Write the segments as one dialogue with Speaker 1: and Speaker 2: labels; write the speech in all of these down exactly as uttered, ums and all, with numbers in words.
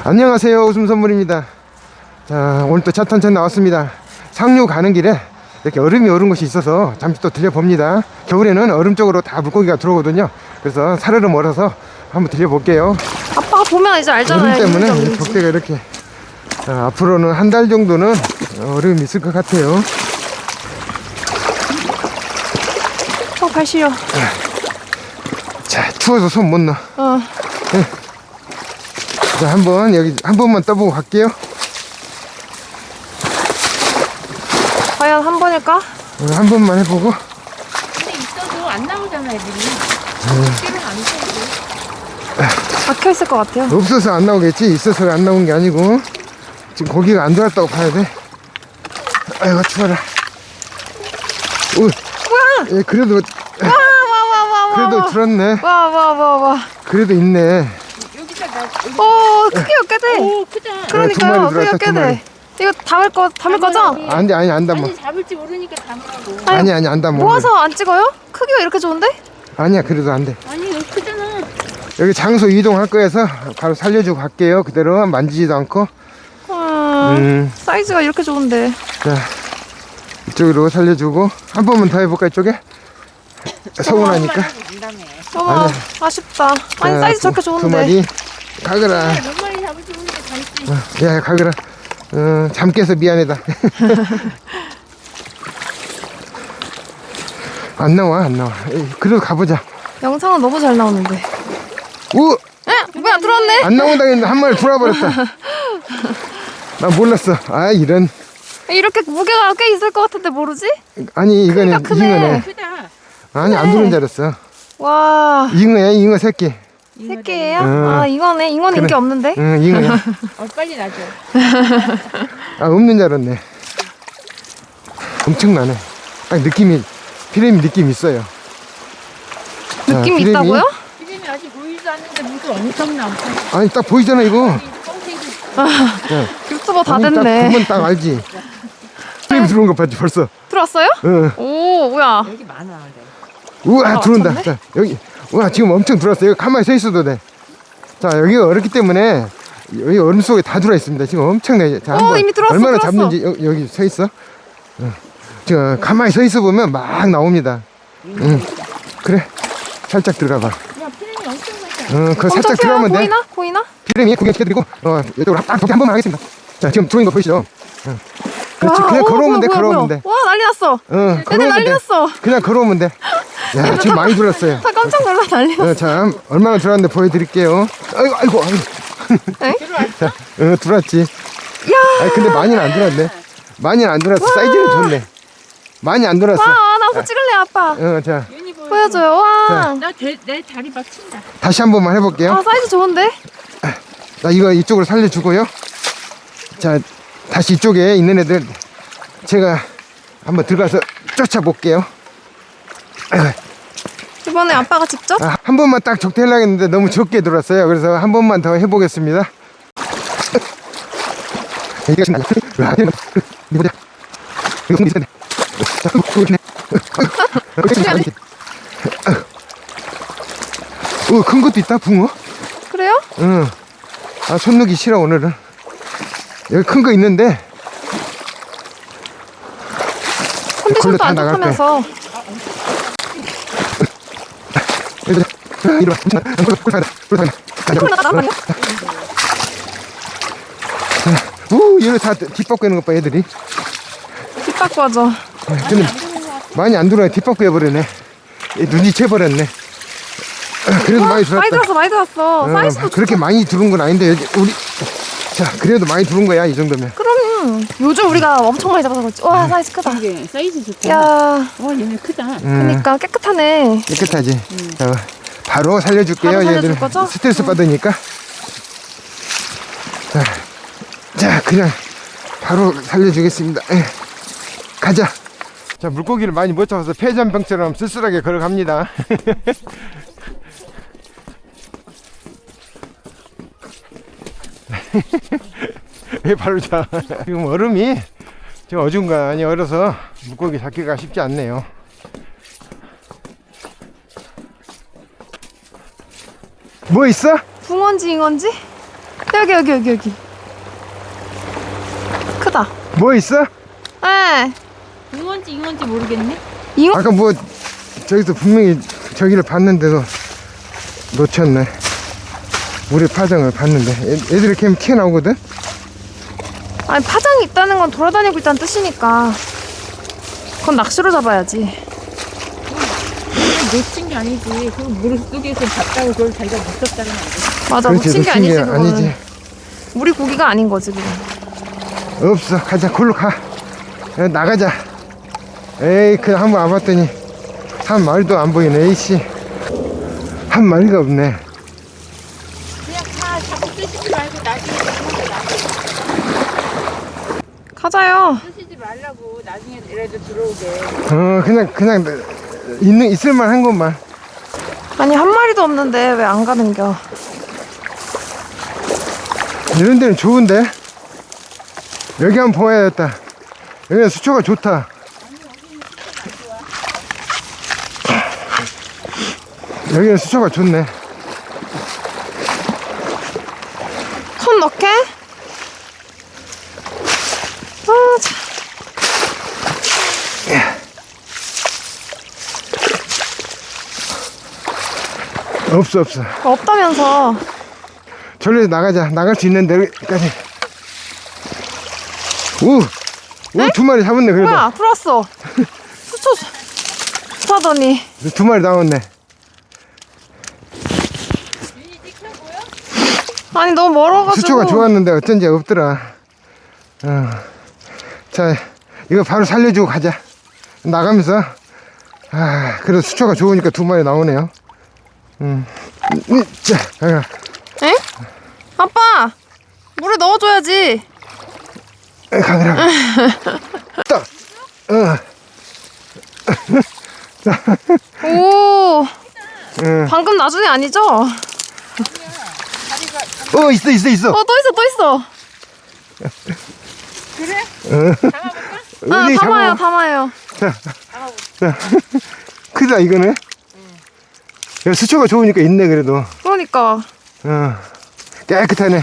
Speaker 1: 안녕하세요, 웃음선물입니다. 자, 오늘 또 차탄천 나왔습니다. 상류 가는 길에 이렇게 얼음이 오른 곳이 있어서 잠시 또 들려봅니다. 겨울에는 얼음 쪽으로 다 물고기가 들어오거든요. 그래서 사르르 멀어서 한번 들려볼게요.
Speaker 2: 아빠가 보면 이제 알잖아요.
Speaker 1: 얼음 때문에
Speaker 2: 있는지 없는지.
Speaker 1: 적대가 이렇게. 자, 앞으로는 한 달 정도는 얼음이 있을 것 같아요.
Speaker 2: 어, 발 시려.
Speaker 1: 자, 추워서 손 못 넣어.
Speaker 2: 어.
Speaker 1: 네. 자, 한번 여기 한 번만 떠보고 갈게요.
Speaker 2: 과연 한 번일까?
Speaker 1: 어, 한 번만 해보고.
Speaker 3: 근데 있어도 안 나오잖아, 애들이. 길은 안 되고.
Speaker 2: 박혀 있을 것 같아요.
Speaker 1: 없어서 안 나오겠지. 있어서 안 나온 게 아니고 지금 고기가 안 들어왔다고 봐야 돼. 아이고 추워라. 오,
Speaker 2: 뭐야?
Speaker 1: 예, 그래도
Speaker 2: 와, 와, 와, 와, 와.
Speaker 1: 그래도 들었네.
Speaker 2: 와, 와, 와, 와.
Speaker 1: 그래도 있네.
Speaker 3: 여기다 나. 여기.
Speaker 2: 오, 크기가 꽤 돼.
Speaker 3: 오, 크다.
Speaker 1: 두 마리
Speaker 2: 그러니까요.
Speaker 1: 들어왔다,
Speaker 2: 크기가 꽤
Speaker 1: 두 마리.
Speaker 2: 돼. 이거 담을 거, 담을 거죠?
Speaker 3: 담아야지.
Speaker 1: 안돼, 아니 안 담아.
Speaker 3: 아니, 잡을지 모르니까 담으라고.
Speaker 2: 아니,
Speaker 1: 아니 아니 안 담아.
Speaker 2: 모아서 안 찍어요? 크기가 이렇게 좋은데?
Speaker 1: 아니야, 그래도 안 돼.
Speaker 3: 아니, 여기 크잖아.
Speaker 1: 여기 장소 이동할 거여서 바로 살려주고 갈게요. 그대로 만지지도 않고.
Speaker 2: 음,
Speaker 1: 음,
Speaker 2: 사이즈가 이렇게 좋은데.
Speaker 1: 자 이쪽으로 살려주고 한 번만 더 해볼까 이쪽에? 서운하니까.
Speaker 2: 어,
Speaker 1: 아니야.
Speaker 2: 아쉽다. 아니,
Speaker 1: 자,
Speaker 2: 사이즈 저렇게
Speaker 1: 두, 두
Speaker 2: 좋은데.
Speaker 1: 마리 가거라.
Speaker 3: 몇 마리 잡을지 모르니까 잡지.
Speaker 1: 야, 가거라. 어, 잠 깨서 미안해다. 안 나와, 안 나와. 에이, 그래도 가보자.
Speaker 2: 영상은 너무 잘 나오는데.
Speaker 1: 우!
Speaker 2: 에? 뭐야, 들어왔네?
Speaker 1: 안 나온다 했는데 한 마리 돌아버렸다. 난 몰랐어. 아, 이런.
Speaker 2: 이렇게 무게가 꽤 있을 것 같은데 모르지?
Speaker 1: 아니, 이거는
Speaker 2: 크기가 크네.
Speaker 1: 잉어네.
Speaker 3: 크다.
Speaker 1: 아니, 안 들어온 줄 알았어.
Speaker 2: 와,
Speaker 1: 잉어야, 잉어 새끼.
Speaker 2: 새끼예요?
Speaker 1: 응.
Speaker 2: 아, 이거네. 이건
Speaker 1: 그래.
Speaker 2: 인기 없는데?
Speaker 1: 응, 잉어야.
Speaker 3: 어, 빨리 놔줘.
Speaker 1: 아, 없는 줄 알았네. 엄청나네. 딱 느낌이, 피레미 느낌 있어요. 자,
Speaker 2: 느낌이
Speaker 1: 피레미.
Speaker 2: 있다고요?
Speaker 3: 이름이 아직 보이지도 않는데 무슨 엄청 나오고.
Speaker 1: 아니, 딱 보이잖아, 이거.
Speaker 3: 뻥튀기.
Speaker 1: 네.
Speaker 2: 유튜버 다
Speaker 1: 아니, 딱
Speaker 2: 됐네.
Speaker 1: 보면 딱 알지. 피레미 들어온 거 봤지, 벌써.
Speaker 2: 들어왔어요?
Speaker 1: 응.
Speaker 2: 오, 뭐야.
Speaker 3: 여기 많아, 근데.
Speaker 1: 우와,
Speaker 2: 아,
Speaker 1: 들어온다.
Speaker 2: 맞췄네?
Speaker 1: 자, 여기. 우와, 지금 엄청 들어왔어요. 여기 가만히 서 있어도 돼. 자, 여기가 어렵기 때문에 여기 얼음 속에 다 들어와 있습니다. 지금 엄청나게. 자,
Speaker 2: 어,
Speaker 1: 한번
Speaker 2: 이미 들어왔어,
Speaker 1: 얼마나
Speaker 2: 들어왔어.
Speaker 1: 잡는지 여, 여기 서 있어. 응. 지금 가만히 서 있어 보면 막 나옵니다. 응. 그래. 살짝 들어가 봐.
Speaker 3: 야, 피름이 엄청 많잖아.
Speaker 1: 응, 그
Speaker 2: 엄청
Speaker 1: 살짝
Speaker 2: 커요.
Speaker 1: 들어가면 돼.
Speaker 2: 보이나? 보이나?
Speaker 1: 피레미 구경시켜드리고, 어, 이쪽으로 딱 한 번만 하겠습니다. 자, 지금 들어온 거 보이시죠? 응. 그렇지.
Speaker 2: 와,
Speaker 1: 그냥
Speaker 2: 어,
Speaker 1: 걸어오면
Speaker 2: 뭐야,
Speaker 1: 돼,
Speaker 2: 뭐야,
Speaker 1: 걸어오면
Speaker 2: 뭐야.
Speaker 1: 돼.
Speaker 2: 와, 난리 났어.
Speaker 1: 응,
Speaker 2: 얘들
Speaker 1: 걸어오면
Speaker 2: 난리
Speaker 1: 돼.
Speaker 2: 났어.
Speaker 1: 그냥 걸어오면 돼. 야, 지금 많이 들었어요.
Speaker 2: 다 깜짝 놀라 난리 났어.
Speaker 1: 어, 자, 얼마나 들어왔는데 보여드릴게요. 아이고, 아이고, 아이고.
Speaker 2: 에?
Speaker 1: 자, 어, 들어왔지.
Speaker 2: 야,
Speaker 1: 아니, 근데 많이는 안 들어왔네. 많이는 안 들어왔어. 사이즈는 좋네. 많이 안 들어왔어.
Speaker 2: 와, 나 한번 찍을래, 아빠.
Speaker 1: 어, 자,
Speaker 3: 윤이 보여.
Speaker 2: 보여줘요. 와.
Speaker 3: 나 대, 내 다리 막 친다.
Speaker 1: 다시 한 번만 해볼게요.
Speaker 2: 아, 사이즈 좋은데?
Speaker 1: 나 이거 이쪽으로 살려주고요. 자, 다시 이쪽에 있는 애들 제가 한번 들어가서 쫓아볼게요. 아이고,
Speaker 2: 이번에 아빠가 직접?
Speaker 1: 아, 한 번만 딱 적대하려고 했는데 너무 적게 들어왔어요. 그래서 한 번만 더 해보겠습니다. 이거 신나. 이거 보자. 이거 손 있었네. 자, 보이네. 어, 큰 것도 있다, 붕어.
Speaker 2: 그래요?
Speaker 1: 응. 아, 손 넣기 싫어, 오늘은. 여기 큰 거 있는데.
Speaker 2: 컨디션도
Speaker 1: 다
Speaker 2: 안
Speaker 1: 나갈 거야.
Speaker 2: 좋다면서.
Speaker 1: 이리 와. 이리 와. 괜찮아. 꿀 사다. 꿀 사다.
Speaker 2: 콜 나가 나가요?
Speaker 1: 우, 얘네 다 뒷바퀴 하는 것 봐, 애들이.
Speaker 2: 뒷바퀴 하죠.
Speaker 1: 근데 많이 안 들어와. 뒷바퀴 해버리네. 눈치채버렸네. 그래도 많이 들었다.
Speaker 2: 많이 들었어, 많이 들었어.
Speaker 1: 어,
Speaker 2: 사이즈도
Speaker 1: 그렇게
Speaker 2: 좋다.
Speaker 1: 많이 들은 건 아닌데 여기 우리 자 그래도 많이 들은 거야 이 정도면.
Speaker 2: 그럼 요즘 우리가 엄청 많이 잡아서 그렇지. 와, 사이즈 크다.
Speaker 3: 이게 사이즈 좋다.
Speaker 2: 야,
Speaker 3: 와, 얘네 크다.
Speaker 1: 음,
Speaker 2: 그러니까 깨끗하네.
Speaker 1: 깨끗하지. 자, 바로 살려줄게요.
Speaker 2: 바로 살려줄
Speaker 1: 얘들
Speaker 2: 거죠?
Speaker 1: 스트레스
Speaker 2: 응.
Speaker 1: 받으니까. 자, 자 그냥 바로 살려주겠습니다. 에, 가자. 자, 물고기를 많이 못 잡아서 폐전병처럼 쓸쓸하게 걸어갑니다. 왜 발로 차? 지금 얼음이 지금 어중간히 얼어서 물고기 잡기가 쉽지 않네요. 뭐 있어?
Speaker 2: 붕어인지 잉어인지? 여기 여기 여기 여기. 크다.
Speaker 1: 뭐 있어?
Speaker 2: 에.
Speaker 3: 잉어인지 잉어인지 모르겠네.
Speaker 2: 잉어?
Speaker 1: 아까 뭐 저기서 분명히 저기를 봤는데도 놓쳤네. 우리 파장을 봤는데 애, 애들이 이렇게 튀어나오거든?
Speaker 2: 아니 파장이 있다는 건 돌아다니고 있다는 뜻이니까. 그건 낚시로 잡아야지.
Speaker 3: 놓친 게 아니지. 그 물속에서 잡다고 그걸 자기가 놓쳤다는 거 아니지.
Speaker 2: 맞아,
Speaker 1: 그렇지,
Speaker 2: 놓친 게
Speaker 1: 놓친
Speaker 2: 아니지
Speaker 1: 게
Speaker 2: 그거는.
Speaker 1: 아니지.
Speaker 2: 우리 고기가 아닌 거지 그건.
Speaker 1: 없어. 가자. 골로 가. 야, 나가자. 에이, 그냥 한번 와봤더니 한 마리도 안 보이네. 에이씨, 한 마리가 없네.
Speaker 3: 그냥 다 자꾸 쓰시지 말고 나중에 들어오게 놔둬.
Speaker 2: 가자요.
Speaker 3: 쓰시지 말라고 나중에라도 들어오게.
Speaker 1: 어, 그냥 그냥 있는 있을만 한 것만.
Speaker 2: 아니 한 마리도 없는데 왜 안 가는겨?
Speaker 1: 이런 데는 좋은데. 여기 한번 보아야겠다. 여기는 수초가 좋다. 여기는 수초가 좋네.
Speaker 2: 손 넣게? 아 참.
Speaker 1: 없어 없어.
Speaker 2: 없다면서.
Speaker 1: 저리로 나가자. 나갈 수 있는 데까지. 오, 오, 두 마리 잡았네. 그래도
Speaker 2: 뭐야 들어왔어. 수초 사더니.
Speaker 1: 두 마리 나왔네.
Speaker 2: 아니 너무 멀어가지고.
Speaker 1: 수초가 좋았는데 어쩐지 없더라. 어. 자, 이거 바로 살려주고 가자. 나가면서. 아, 그래도 수초가 좋으니까 두 마리 나오네요. 음, 음, 자, 가.
Speaker 2: 에? 아빠 물에 넣어줘야지.
Speaker 1: 가느라. 딱. 어.
Speaker 2: 오
Speaker 1: 응.
Speaker 2: 방금 나중에 아니죠? 어
Speaker 1: 어, 있어, 있어, 있어.
Speaker 2: 또 있어 또 있어.
Speaker 3: 그래?
Speaker 1: 어.
Speaker 2: 아
Speaker 1: 어디
Speaker 2: 담아요
Speaker 1: 잡아.
Speaker 2: 담아요.
Speaker 1: 크다, 이거는. 야, 수초가 좋으니까 있네, 그래도.
Speaker 2: 그러니까.
Speaker 1: 어. 깨끗하네.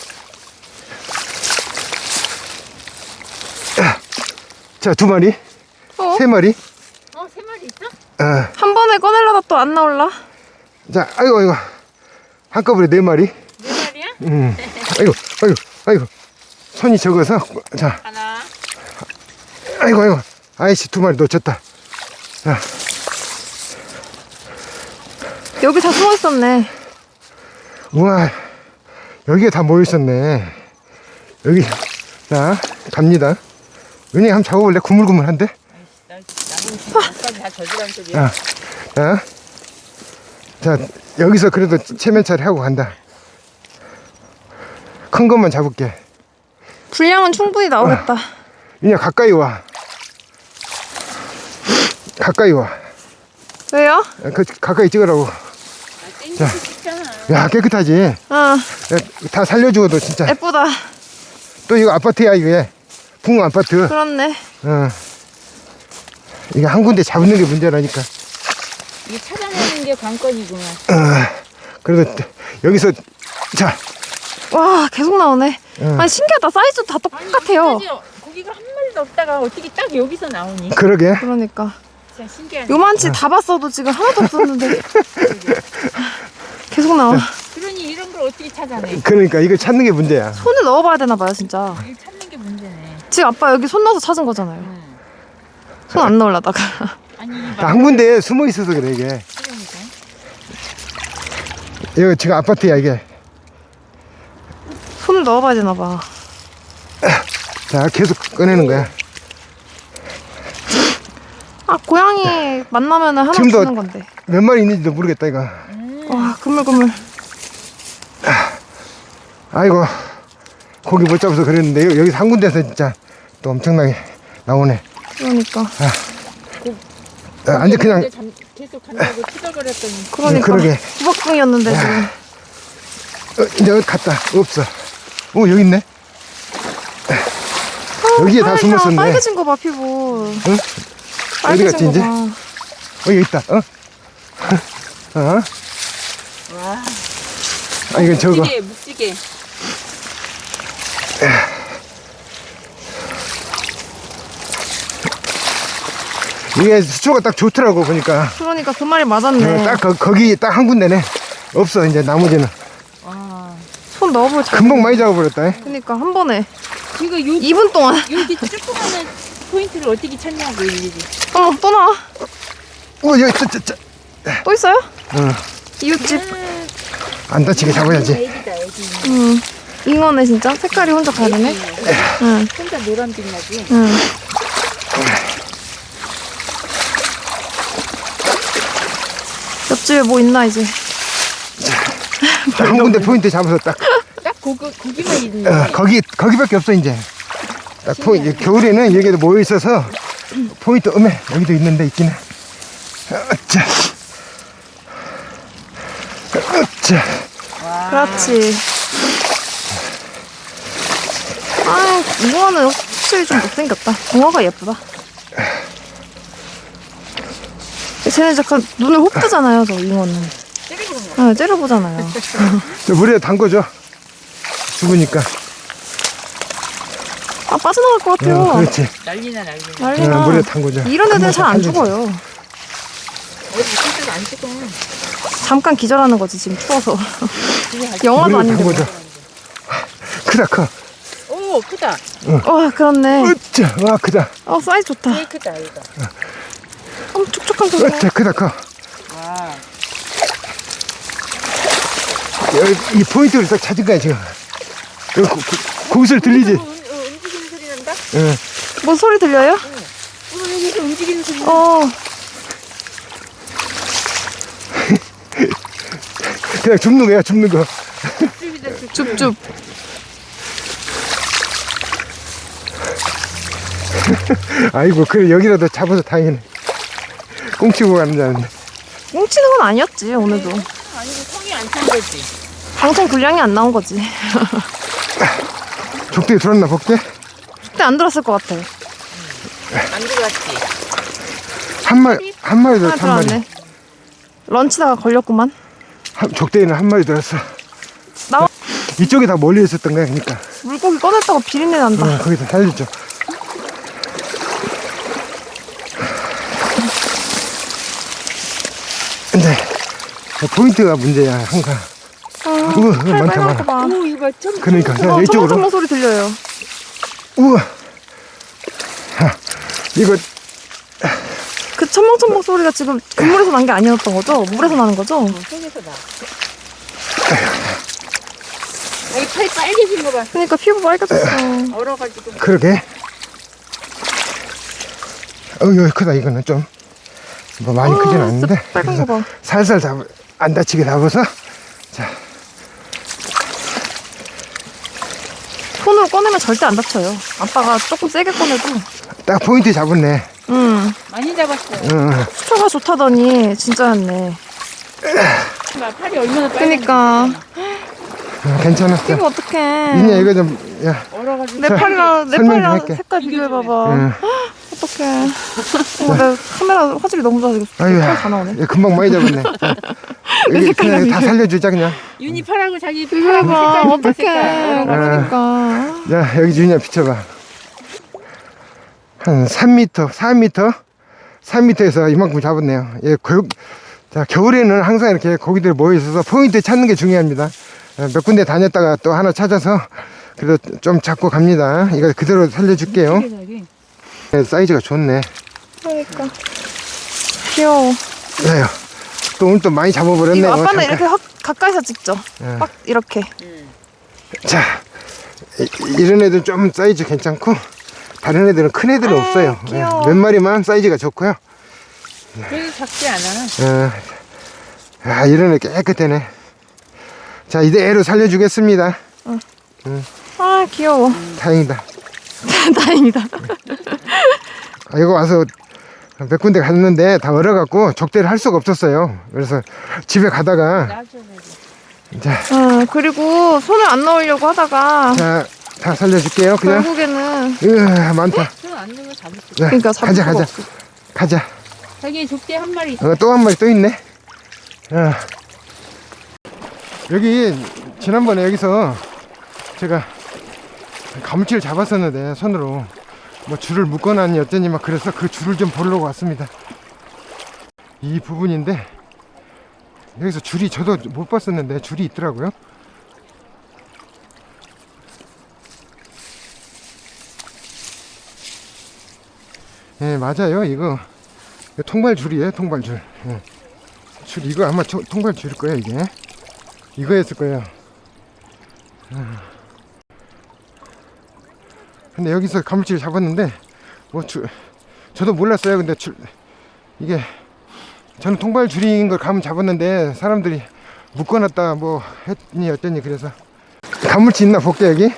Speaker 1: 자, 두 마리.
Speaker 2: 어?
Speaker 1: 세 마리.
Speaker 3: 어, 세 마리 있어?
Speaker 1: 어.
Speaker 2: 한 번에 꺼내려다 또 안 나올라?
Speaker 1: 자, 아이고, 아이고. 한꺼번에 네 마리.
Speaker 3: 네 마리야?
Speaker 1: 음. 아이고, 아이고, 아이고. 손이 적어서. 자,
Speaker 3: 하나.
Speaker 1: 아이고, 아이고. 아이씨, 두 마리 놓쳤다. 자,
Speaker 2: 여기 다 숨어 있었네.
Speaker 1: 우와. 여기에 다 모여있었네. 여기. 자, 갑니다. 은희 한번 잡아볼래? 구물구물한데?
Speaker 3: 나 나는 아까 다 저지란 소리야.
Speaker 1: 자, 자. 자, 여기서 그래도 체면차리 하고 간다. 큰 것만 잡을게.
Speaker 2: 분량은 충분히 나오겠다.
Speaker 1: 은희야, 가까이 와. 가까이 와.
Speaker 2: 왜요?
Speaker 1: 그, 가까이 찍으라고.
Speaker 3: 아, 땡기고 싶잖아.
Speaker 1: 야, 깨끗하지?
Speaker 2: 어
Speaker 1: 야, 다 살려주고도 진짜.
Speaker 2: 예쁘다.
Speaker 1: 또 이거 아파트야, 이게. 붕 아파트.
Speaker 2: 그렇네.
Speaker 1: 어. 이게 한 군데 잡는 게 문제라니까.
Speaker 3: 이게 찾아내는 게 관건이구나.
Speaker 1: 어. 그래도 여기서, 자,
Speaker 2: 와 계속 나오네.
Speaker 1: 응.
Speaker 2: 아니 신기하다. 사이즈 다 똑같아요.
Speaker 3: 여기까지 고기가 한 마리도 없다가 어떻게 딱 여기서 나오니?
Speaker 1: 그러게.
Speaker 2: 그러니까
Speaker 3: 진짜 신기하네.
Speaker 2: 요만치 다 봤어도 지금 하나도 없었는데 계속 나와.
Speaker 3: 그러니 이런 걸 어떻게 찾아내?
Speaker 1: 그러니까 이걸 찾는 게 문제야.
Speaker 2: 손을 넣어봐야 되나 봐요 진짜.
Speaker 3: 이걸 찾는 게 문제네.
Speaker 2: 지금 아빠 여기 손 넣어서 찾은 거잖아요.
Speaker 3: 응.
Speaker 2: 손 안 넣으려다가.
Speaker 3: 아니 이
Speaker 1: 다 한 군데에 숨어 있어서 그래, 이게.
Speaker 3: 그러니까.
Speaker 1: 이거 지금 아파트야, 이게.
Speaker 2: 손을 넣어봐야 되나 봐.
Speaker 1: 자, 계속 꺼내는 거야.
Speaker 2: 아 고양이 만나면 하나
Speaker 1: 지금도-
Speaker 2: 주는 건데.
Speaker 1: 몇 마리 있는지도 모르겠다, 이거.
Speaker 2: 와 그물그물.
Speaker 1: 아이고, 고기 못 잡아서 그랬는데, 여- 여기서 한 군데서 진짜 또 엄청나게 나오네.
Speaker 2: 그러니까.
Speaker 1: 아, 완전 그냥,
Speaker 3: 근데 잠- 계속 간다고 투덜거렸더니
Speaker 2: 그러니까.
Speaker 1: 그러게.
Speaker 2: 구박궁이었는데 지금.
Speaker 1: 어, 이제 어디 갔다. 없어. 오, 여기 있네. 여기에 다
Speaker 2: 빨개,
Speaker 1: 숨었었네.
Speaker 2: 빨개진 거 봐 피부.
Speaker 1: 응? 어디 갔지,
Speaker 2: 빨개진 거
Speaker 1: 이제?
Speaker 2: 봐.
Speaker 1: 어, 여기 있다. 어? 어?
Speaker 3: 와.
Speaker 1: 아, 이건 저거.
Speaker 3: 묵지개 묵지개.
Speaker 1: 이게 수초가 딱 좋더라고 보니까.
Speaker 2: 그러니까 그 말이 맞았네.
Speaker 1: 어, 딱 거, 거기 딱 한 군데네. 없어 이제 나머지는.
Speaker 3: 와.
Speaker 2: 손 넣어볼 잘.
Speaker 1: 금방 많이 잡아버렸다. 잉?
Speaker 2: 그러니까 한 번에
Speaker 3: 이거 요,
Speaker 2: 이 분 동안.
Speaker 3: 여기 조그마한 포인트를 어떻게 찾냐고, 일일이.
Speaker 2: 어머 또 나와.
Speaker 1: 어 여기 저, 저, 저.
Speaker 2: 또 있어요?
Speaker 1: 응.
Speaker 2: 이웃집.
Speaker 1: 안 다치게 잡아야지.
Speaker 3: 애기다, 애기.
Speaker 2: 응. 잉어네 진짜. 색깔이 혼자 다르네. 응.
Speaker 3: 혼자 노란빛 나지?
Speaker 2: 응. 옆집에 뭐 있나 이제.
Speaker 1: 딱 한 군데 포인트 잡아서 딱.
Speaker 3: 딱 거기, 거기만 있는
Speaker 1: 어, 거기 거기밖에 없어 이제. 딱 포인트. 겨울에는 여기도 모여 있어서 포인트 음에 여기도 있는데 있긴 해. 어짜. 어짜.
Speaker 2: 그렇지. 아, 잉어는 확실히 좀 못생겼다. 잉어가 예쁘다. 쟤는 잠깐 눈을 혹 뜨잖아요, 저 잉어는.
Speaker 3: 찌르는 거.
Speaker 2: 네, 째려보잖아요.
Speaker 1: 저 물에 담궈줘. 죽으니까.
Speaker 2: 아, 빠져나갈 것 같아요.
Speaker 1: 어, 그렇지.
Speaker 3: 난리나, 난리나.
Speaker 2: 난리나.
Speaker 1: 어, 물에 담궈줘.
Speaker 2: 이런 애들은 잘 안
Speaker 1: 살려줘.
Speaker 2: 죽어요.
Speaker 3: 어디 진짜 안 죽어.
Speaker 2: 잠깐 기절하는 거지, 지금 추워서. 영화도
Speaker 1: 물에
Speaker 2: 아닌데. 뭐.
Speaker 1: 담궈줘. 크다 커.
Speaker 3: 오, 크다.
Speaker 2: 와, 그렇네.
Speaker 1: 어짜. 와 크다.
Speaker 2: 어, 사이즈 좋다.
Speaker 3: 되게 크다, 이거.
Speaker 2: 어, 촉촉한 소리.
Speaker 1: 어짜 크다 커.
Speaker 3: 와.
Speaker 1: 여기 이 포인트를 딱 찾은 거야 지금. 여기 고, 고, 고슬 들리지?
Speaker 3: 음, 어, 움직이는 소리 난다?
Speaker 1: 응.
Speaker 2: 뭐 소리 들려요?
Speaker 3: 어, 여기서 움직이는 소리 난다.
Speaker 2: 어,
Speaker 1: 그냥 줍는 거야 줍는 거.
Speaker 3: 줍줍이다, 줍줍.
Speaker 2: 줍줍.
Speaker 1: 아이고 그래 여기라도 잡아서 다행이네. 꽁치고 가는 줄 알았네.
Speaker 2: 뭉치는 건 아니었지, 오늘도.
Speaker 3: 아니, 성이 안 찬 거지.
Speaker 2: 방송 분량이 안 나온 거지.
Speaker 1: 족대에 들었나 볼게.
Speaker 2: 그때 안 들었을 것 같아.
Speaker 3: 안 들어갔지.
Speaker 1: 한 마리 한 마리
Speaker 2: 하나
Speaker 1: 들었어 한 마리.
Speaker 2: 들어왔네. 런치다가 걸렸구만.
Speaker 1: 한, 족대에는 한 마리 들었어.
Speaker 2: 나와.
Speaker 1: 이쪽에 다 몰려 있었던 거야 그러니까.
Speaker 2: 물고기 꺼냈다고 비린내 난다.
Speaker 1: 어, 거기서 살려줘. 근데 포인트가 문제야 항상.
Speaker 2: 아,
Speaker 1: 우와,
Speaker 2: 팔
Speaker 1: 많다,
Speaker 2: 빨간
Speaker 1: 많아.
Speaker 2: 거 봐.
Speaker 3: 오, 이거 참.
Speaker 1: 그러니까 그냥
Speaker 2: 어,
Speaker 1: 이쪽으로.
Speaker 2: 초롱초롱 소리 들려요.
Speaker 1: 우와. 하, 이거
Speaker 2: 그 첨벙첨벙 소리가 지금 그물에서 난 게 아니었던 거죠? 물에서 나는 거죠?
Speaker 3: 속에서 나. 여기 팔 빨개진 거 봐.
Speaker 2: 그러니까 피부 빨개졌어.
Speaker 3: 얼어가지고.
Speaker 1: 그러게. 어우 여기 크다 이거는 좀. 뭐 많이 크진
Speaker 2: 아,
Speaker 1: 않는데.
Speaker 2: 진짜 빨간 거 봐.
Speaker 1: 살살 잡, 안 다치게 잡아서. 자,
Speaker 2: 손으로 꺼내면 절대 안 다쳐요. 아빠가 조금 세게 꺼내도.
Speaker 1: 딱 포인트 잡았네.
Speaker 2: 응.
Speaker 3: 많이 잡았어요.
Speaker 1: 응.
Speaker 2: 수초가 좋다더니 진짜였네.
Speaker 3: 봐, 팔이 얼마나 빨개.
Speaker 2: 그러니까
Speaker 1: 어, 괜찮았어.
Speaker 2: 피부 어떡해.
Speaker 1: 민야 이거 좀, 야,
Speaker 3: 얼어가지고.
Speaker 2: 내
Speaker 1: 자,
Speaker 2: 팔이랑 내
Speaker 1: 설명 좀
Speaker 2: 팔이랑
Speaker 1: 할게.
Speaker 2: 색깔 비교해봐봐.
Speaker 1: 응.
Speaker 2: 어떡해. 어, 내 카메라 화질이 너무 좋아서
Speaker 1: 아유,
Speaker 2: 팔 다 나오네.
Speaker 1: 야, 금방 많이 잡았네. 자, 여기
Speaker 2: 색깔이랑
Speaker 1: 그냥 다
Speaker 2: 비교.
Speaker 1: 살려주자 그냥.
Speaker 3: 윤이 팔하고 자기
Speaker 2: 비교해봐.
Speaker 3: 팔하고
Speaker 2: 어떡해.
Speaker 3: 색깔.
Speaker 2: 그러니까.
Speaker 1: 야, 여기 준이야 비춰봐. 한 삼 미터, 사 미터, 삼 미터에서 이만큼 잡았네요. 예, 겨, 자, 겨울에는 항상 이렇게 고기들 모여 있어서 포인트 찾는 게 중요합니다. 어, 몇 군데 다녔다가 또 하나 찾아서 그래도 좀 잡고 갑니다. 이거 그대로 살려줄게요. 네, 사이즈가 좋네.
Speaker 2: 그러니까. 귀여워.
Speaker 1: 야요. 또 오늘 또 많이 잡아버렸네.
Speaker 2: 이거
Speaker 1: 요
Speaker 2: 아빠는 이렇게 확 가까이서 찍죠.
Speaker 1: 예.
Speaker 2: 막 이렇게.
Speaker 1: 자, 이, 이런 애들 좀 사이즈 괜찮고 다른 애들은 큰 애들은
Speaker 2: 아,
Speaker 1: 없어요.
Speaker 2: 귀여워.
Speaker 1: 예, 몇 마리만 사이즈가 좋고요.
Speaker 3: 그래도 작지 않아.
Speaker 1: 어, 아, 이런 애 깨끗하네. 자, 이대로 살려주겠습니다.
Speaker 2: 아, 귀여워.
Speaker 1: 다행이다.
Speaker 2: 다행이다.
Speaker 1: 아, 이거 와서 몇 군데 갔는데 다 얼어갖고 족대를 할 수가 없었어요. 그래서 집에 가다가
Speaker 3: 놔줘야지.
Speaker 1: 자,
Speaker 2: 어, 그리고 손을 안 넣으려고 하다가
Speaker 1: 자, 다 살려줄게요. 그냥.
Speaker 2: 결국에는
Speaker 1: 으, 많다.
Speaker 3: 손안 넣으면 잡을 수.
Speaker 1: 자,
Speaker 2: 그러니까 잡을
Speaker 1: 가자,
Speaker 2: 수가
Speaker 1: 가자.
Speaker 2: 없어.
Speaker 1: 가자.
Speaker 3: 자기 족대 한 마리 있어.
Speaker 1: 어, 또 한 마리 또 있네. 어. 여기 지난번에 여기서 제가 가물치를 잡았었는데 손으로 뭐 줄을 묶어놨니 어쩌니 막 그래서 그 줄을 좀 보려고 왔습니다. 이 부분인데 여기서 줄이 저도 못 봤었는데 줄이 있더라고요. 예, 맞아요. 이거 통발줄이에요. 통발줄. 예. 줄 이거 아마 초, 통발줄일 거예요. 이게 이거였을 거예요. 근데 여기서 가물치를 잡았는데 뭐 줄, 저도 몰랐어요. 근데 줄 이게 저는 통발줄인 걸 감은 잡았는데 사람들이 묶어놨다 뭐 했니 어쩌니 그래서 가물치 있나 볼게 여기.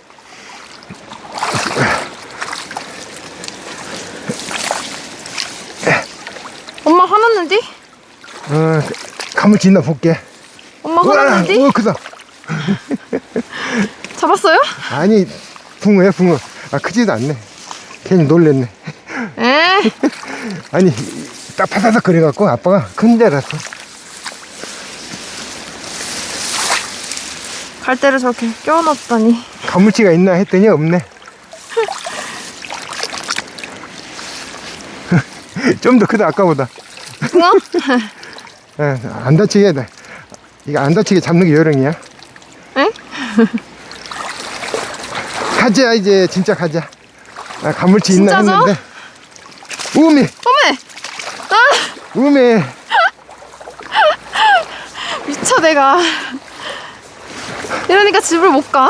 Speaker 2: 엄마 화났는디?
Speaker 1: 어, 가물치 있나 볼게.
Speaker 2: 엄마 화났는디?
Speaker 1: 우와, 크다.
Speaker 2: 잡았어요?
Speaker 1: 아니 붕어야 붕어. 아 크지도 않네. 괜히 놀랬네.
Speaker 2: 에?
Speaker 1: 아니 딱 파사삭 거려갖고 아빠가 큰 줄 알았어.
Speaker 2: 갈대를 저렇게 껴놨다니.
Speaker 1: 가물치가 있나 했더니 없네. 좀 더 크다 아까보다.
Speaker 2: 붕어?
Speaker 1: 예, 안 다치게 돼. 이거 안 다치게 잡는 게 요령이야.
Speaker 2: 응?
Speaker 1: 가자 이제 진짜 가자. 아, 가물치 있나
Speaker 2: 진짜죠?
Speaker 1: 했는데 우미
Speaker 2: 어메! 아!
Speaker 1: 우미.
Speaker 2: 미쳐 내가. 이러니까 집을 못 가.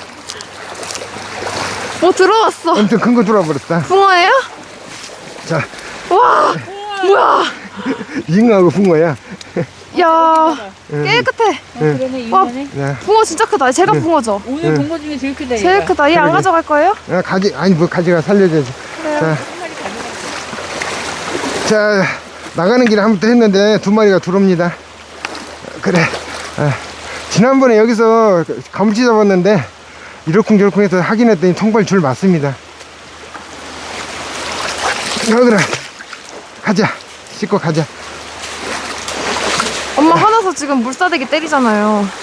Speaker 2: 뭐 들어왔어.
Speaker 1: 엄청 큰 거 들어와버렸다.
Speaker 2: 붕어예요?
Speaker 1: 자
Speaker 2: 와! 뭐야!
Speaker 1: 잉어하고 붕어야.
Speaker 2: 야 깨끗해.
Speaker 3: 어, 그러네
Speaker 2: 와.
Speaker 3: 이거네.
Speaker 1: 야,
Speaker 2: 붕어 진짜 크다. 제가 붕어죠?
Speaker 3: 오늘
Speaker 1: 응.
Speaker 3: 본 거 중에 제일 크다.
Speaker 2: 제일
Speaker 3: 얘가.
Speaker 2: 크다. 얘 안
Speaker 1: 그러게.
Speaker 2: 가져갈 거예요?
Speaker 1: 야, 가지 아니 뭐 가지가 살려줘야지.
Speaker 2: 그래요.
Speaker 1: 자,
Speaker 3: 한 마리 가져가.
Speaker 1: 자 나가는 길에 한 번 또 했는데 두 마리가 들어옵니다. 그래. 아, 지난번에 여기서 가물치 잡았는데 이러쿵저러쿵 해서 확인했더니 통발줄 맞습니다. 어, 그래. 가자. 씻고 가자.
Speaker 2: 엄마 화나서 지금 물사대기 때리잖아요.